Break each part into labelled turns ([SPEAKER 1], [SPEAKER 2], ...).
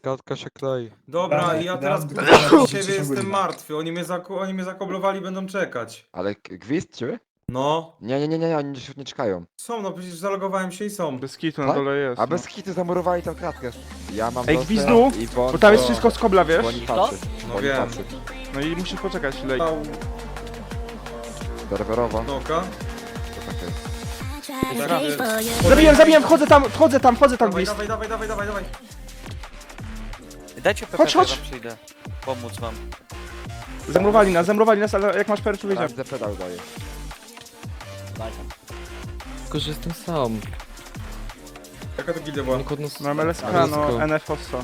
[SPEAKER 1] Gadka się klei.
[SPEAKER 2] Dobra,
[SPEAKER 3] Dobra,
[SPEAKER 2] i ja teraz
[SPEAKER 3] dobra,
[SPEAKER 2] dla
[SPEAKER 3] dobra,
[SPEAKER 2] siebie
[SPEAKER 3] dobra,
[SPEAKER 2] jestem
[SPEAKER 3] dobra.
[SPEAKER 2] martwy. Oni mnie zakoblowali, będą czekać.
[SPEAKER 1] Ale gwizd czy?
[SPEAKER 2] No.
[SPEAKER 1] Nie, oni nie czekają.
[SPEAKER 2] Są, no przecież zalogowałem się i są.
[SPEAKER 4] Bez kitu na
[SPEAKER 1] Tak?
[SPEAKER 4] dole jest.
[SPEAKER 1] A
[SPEAKER 4] No.
[SPEAKER 1] bez hitu zamurowali tą kratkę. Ja mam
[SPEAKER 4] Ej,
[SPEAKER 1] dostęp
[SPEAKER 4] gwizdu,
[SPEAKER 1] i bon,
[SPEAKER 4] Bo tam jest
[SPEAKER 2] to-
[SPEAKER 4] wszystko z kobla, wiesz?
[SPEAKER 1] Bo oni patrzy.
[SPEAKER 2] No
[SPEAKER 1] Bo oni
[SPEAKER 2] wiem.
[SPEAKER 1] patrzy.
[SPEAKER 4] No i musisz poczekać chwilę.
[SPEAKER 2] Au,
[SPEAKER 1] Serwerowa.
[SPEAKER 2] noka.
[SPEAKER 1] To tak jest.
[SPEAKER 4] Zabiłem, wchodzę tam
[SPEAKER 2] Dawaj,
[SPEAKER 4] gwizd.
[SPEAKER 2] dawaj.
[SPEAKER 5] Dajcie PPP,
[SPEAKER 4] Chodź, chodź.
[SPEAKER 5] wam przyjdę. Pomóc wam.
[SPEAKER 4] Zamurowali nas, ale jak masz perczu, wiedziałem.
[SPEAKER 1] Sprawdzę pedał daje.
[SPEAKER 6] Tylko, że jestem sam.
[SPEAKER 2] Jaka to gildia była?
[SPEAKER 4] Mam LSK, no, NF Osso.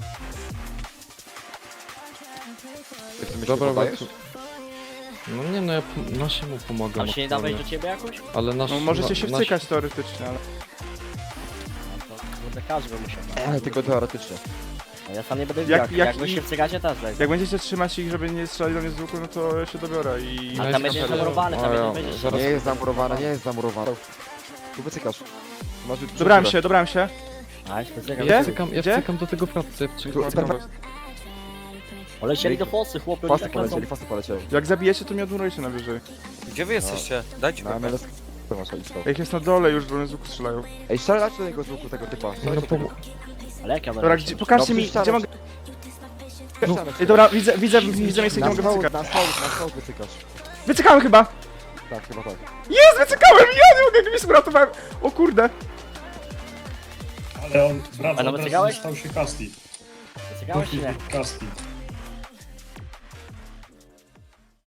[SPEAKER 1] Ty mi się
[SPEAKER 6] Dobra,
[SPEAKER 1] podajesz?
[SPEAKER 6] no nie no, ja naszemu pomagam.
[SPEAKER 7] Tam się nie da
[SPEAKER 6] aktualnie.
[SPEAKER 7] wejść do ciebie jakoś?
[SPEAKER 6] Ale nasz...
[SPEAKER 4] No możecie się
[SPEAKER 6] nasz-
[SPEAKER 4] wcykać teoretycznie, ale...
[SPEAKER 7] No to kurde każdy by musiał.
[SPEAKER 1] Ale tylko teoretycznie.
[SPEAKER 7] A ja sam nie będę
[SPEAKER 4] Jak-
[SPEAKER 7] widział.
[SPEAKER 4] jak-
[SPEAKER 7] Jak wy się wcykacie, też daj.
[SPEAKER 4] Jak będziecie trzymać ich, żeby nie strzelali do mnie z łuku, no to ja się dobiorę i...
[SPEAKER 7] A tam będzie zamurowane, tam
[SPEAKER 6] A,
[SPEAKER 7] będzie
[SPEAKER 6] zaraz-
[SPEAKER 1] Nie jest zamurowane, nie jest zamurowane. Tu wycykasz. Masz już
[SPEAKER 4] Dobrałem się.
[SPEAKER 7] A, specjalnie.
[SPEAKER 4] Gdzie?
[SPEAKER 6] Ja
[SPEAKER 4] Gdzie?
[SPEAKER 6] wcykam do tego pracy.
[SPEAKER 7] Polecieli do fosy, chłopy.
[SPEAKER 1] Fasy
[SPEAKER 7] tak lecą.
[SPEAKER 1] polecieli.
[SPEAKER 4] Jak zabijecie, to mnie odmurujcie najwyżej.
[SPEAKER 5] Gdzie wy jesteście? Dajcie
[SPEAKER 1] Na
[SPEAKER 5] PPP.
[SPEAKER 1] MLS. To masz listą.
[SPEAKER 4] Jak jest na dole już, do mnie z łuku strzelają.
[SPEAKER 1] Ej, strzelać do niego z łuku tego typa.
[SPEAKER 6] No
[SPEAKER 1] Strzelać do tego.
[SPEAKER 7] Ale jak ja
[SPEAKER 4] Dobra,
[SPEAKER 7] będę
[SPEAKER 4] gdzie, pokażcie
[SPEAKER 1] No,
[SPEAKER 4] mi,
[SPEAKER 1] przyszczamy
[SPEAKER 4] gdzie mogę...
[SPEAKER 1] Strzelamy.
[SPEAKER 4] Ej, dobra, widzę miejsce, gdzie
[SPEAKER 1] Na
[SPEAKER 4] mogę
[SPEAKER 1] stoł,
[SPEAKER 4] wycykać.
[SPEAKER 1] na stoł wycykasz.
[SPEAKER 4] Wycykałem chyba!
[SPEAKER 1] Tak, chyba tak.
[SPEAKER 4] Jest, wycykałem! Ja nie mogę, gwizd uratowałem! O kurde!
[SPEAKER 3] Ale on wraca,
[SPEAKER 7] A no
[SPEAKER 3] teraz
[SPEAKER 7] wycygałeś?
[SPEAKER 3] stał się Kasti.
[SPEAKER 7] Wycykałeś czy nie?
[SPEAKER 3] Kasti.